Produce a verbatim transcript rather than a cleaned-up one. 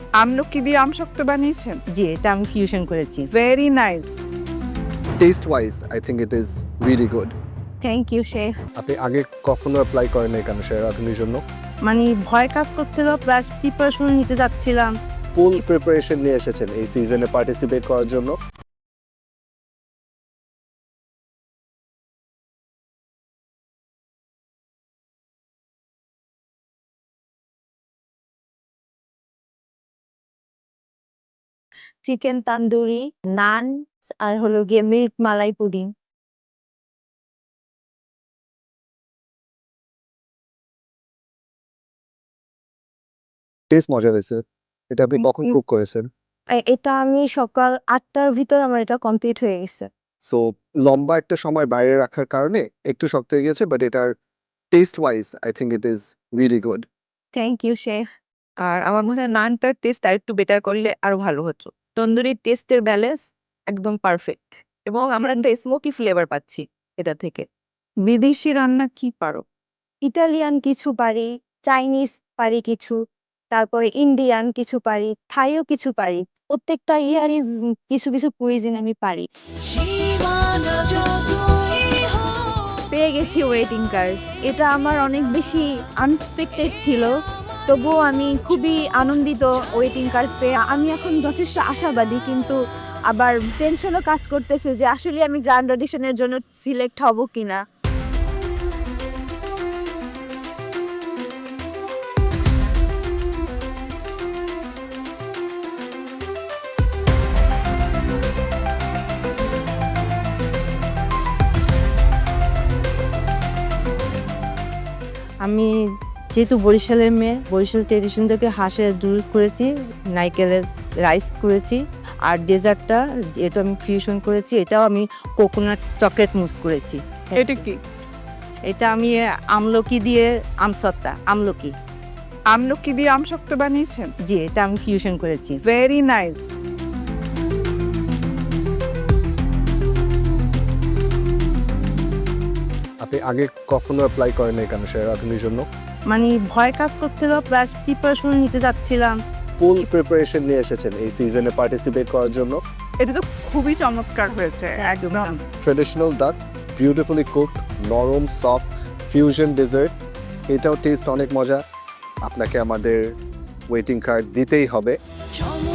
আমলকি দিয়ে আমসত্ব বানিয়েছেন? জি, এটা আমি ফিউশন করেছি। Very nice. Taste wise I think it is really good. Thank you chef. আপনি আগে কখনো অ্যাপ্লাই করেন নাই কেন সেরা রাঁধুনির জন্য? মানে ভয় কাজ করছিল, প্লাস প্রিপারেশন নিতে যাচ্ছিলাম। ফুল প্রিপারেশন নিয়ে এসেছেন এই সিজনে পার্টিসিপেট করার জন্য। চিকেন তান্দুরি, নান আর হলো গিয়ে মিল্ক মালাই পুডিং। টেস্ট মজা হয়েছে। এটা আপনি কখন কুক করেছেন? এ- এটা আমি সকাল আটটার ভিতর আমার এটা কমপ্লিট হয়ে গেছে। সো লম্বা একটা সময় বাইরে রাখার কারণে একটু শক্ত হয়ে গেছে, বাট এটার taste wise I think it is really good. Thank you chef. আর আমার মনে হয় নানটার টেস্ট আর একটু বেটার করলে আরো ভালো হতো। তন্দুরির টেস্টের ব্যালেন্স একদম পারফেক্ট এবং আমরা একটা স্মোকি ফ্লেভার পাচ্ছি এটা থেকে। বিদেশি রান্না কি পারো? ইটালিয়ান কিছু পারি, চাইনিজ পারি কিছু, তারপরে ইন্ডিয়ান কিছু পারি, থাইও কিছু পারি। প্রত্যেকটা ইয়ারই কিছু কিছু কুইজিন আমি পারি। পেয়ে গেছি ওয়েটিং কার্ড। এটা আমার অনেক বেশি আনএক্সপেক্টেড ছিল, তবুও আমি খুবই আনন্দিত ওয়েটিং কার্ড পেয়ে। আমি এখন যথেষ্ট আশাবাদী, কিন্তু আবার টেনশনও কাজ করতেছে যে আসলে আমি গ্র্যান্ড অডিশনের জন্য সিলেক্ট হব কিনা। আমি যেহেতু বরিশালের মেয়ে, বরিশাল ট্রেডিশন থেকে হাঁসের জুস করেছি, নারকেলের রাইস করেছি, আর ডেজার্টটা যেটা আমি ফিউশন করেছি, এটাও আমি কোকোনাট চকলেট মুস করেছি। এটা কি? এটা আমি আমলকি দিয়ে আমসত্তা আমলকি আমলকি দিয়ে আমসত্ব বানিয়েছেন? জি, এটা আমি ফিউশন করেছি। Very nice. আপনি আগে কখনো অ্যাপ্লাই করেন নাই কেন সেরা রাঁধুনির জন্য? মানে ভয় কাজ করছিল, প্লাস প্রিপারেশন নিতে যাচ্ছিলাম। ফুল প্রিপারেশন নিয়ে এসেছেন এই সিজনে পার্টিসিপেট করার জন্য। এটা তো খুবই চমৎকার হয়েছে একদম। ট্রেডিশনাল ডাক, বিউটিফুলি কুকড, নরম সফট ফিউশন ডেজার্ট, এটাও টেস্ট অনেক মজা। আপনাকে আমাদের ওয়েটিং কার্ড দিতেই হবে।